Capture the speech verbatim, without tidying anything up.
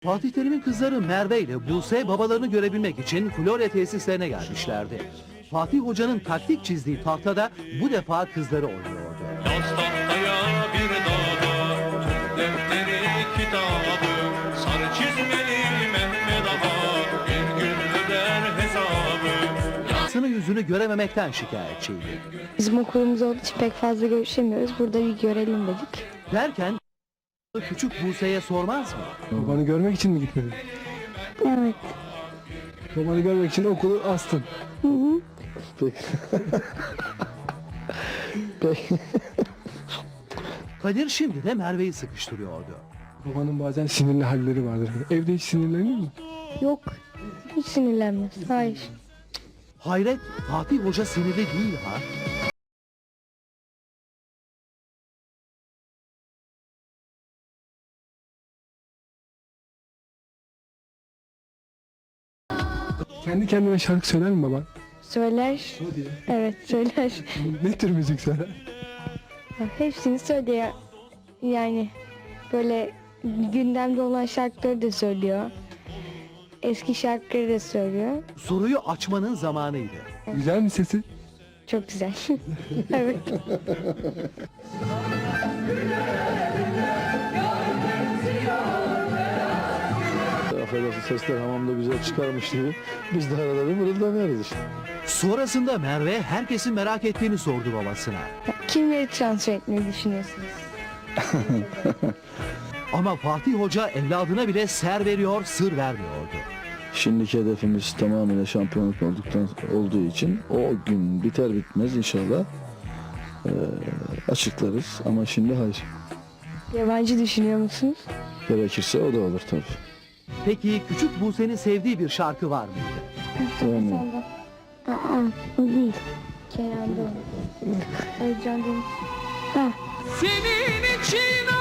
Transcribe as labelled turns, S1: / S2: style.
S1: Fatih Terim'in kızları Merve ile Buse babalarını görebilmek için Florya tesislerine gelmişlerdi. Fatih Hoca'nın taktik çizdiği tahtada bu defa kızları oynuyordu.
S2: Yaz tahtaya bir daha, Türk defteri kitabı, sarı çizmeli Mehmet Ağa, bir gün öder hesabı.
S1: Yansını yüzünü görememekten şikayetçiydi.
S3: Bizim okulumuz olduğu için pek fazla görüşemiyoruz. Burada bir görelim dedik.
S1: Derken küçük Buse'ye sormaz mı?
S4: Babanı görmek için mi gitmedin?
S3: Evet.
S4: Babanı görmek için okulu astın.
S3: Hı hı.
S4: Peki. Peki.
S1: Kadir şimdi de Merve'yi sıkıştırıyordu.
S4: Babanın bazen sinirli halleri vardır. Evde hiç sinirlenir mi?
S3: Yok. Hiç sinirlenmez. Hayır.
S1: Hayret, Fatih Hoca sinirli değil ha.
S4: Kendi kendine şarkı söyler mi baban?
S3: Söyler.
S4: Hadi ya.
S3: Evet söyler.
S4: Ne tür müzik söyler?
S3: Hepsini söylüyor. Yani böyle gündemde olan şarkıları da söylüyor. Eski şarkıları da söylüyor.
S1: Soruyu açmanın zamanıydı.
S4: Güzel mi sesi?
S3: Çok güzel. Evet.
S5: Affedersin, sesler hamamda güzel çıkarmış gibi biz de arada bir mırıldanıyoruz işte.
S1: Sonrasında Merve herkesin merak ettiğini sordu babasına.
S3: Kimleri transfer etmeyi düşünüyorsunuz?
S1: Ama Fatih Hoca evladına bile ser veriyor, sır vermiyordu.
S5: Şimdiki hedefimiz tamamıyla şampiyonluk olduktan olduğu için o gün biter bitmez inşallah eee, açıklarız ama şimdi hayır.
S3: Yabancı düşünüyor musunuz?
S5: Gerekirse o da olur tabii.
S1: Peki küçük Buse'nin sevdiği bir şarkı var mıydı?
S5: Yani
S3: Aa, o değil. Kenan'da o. Özcan Deniz. Ha.
S2: Senin için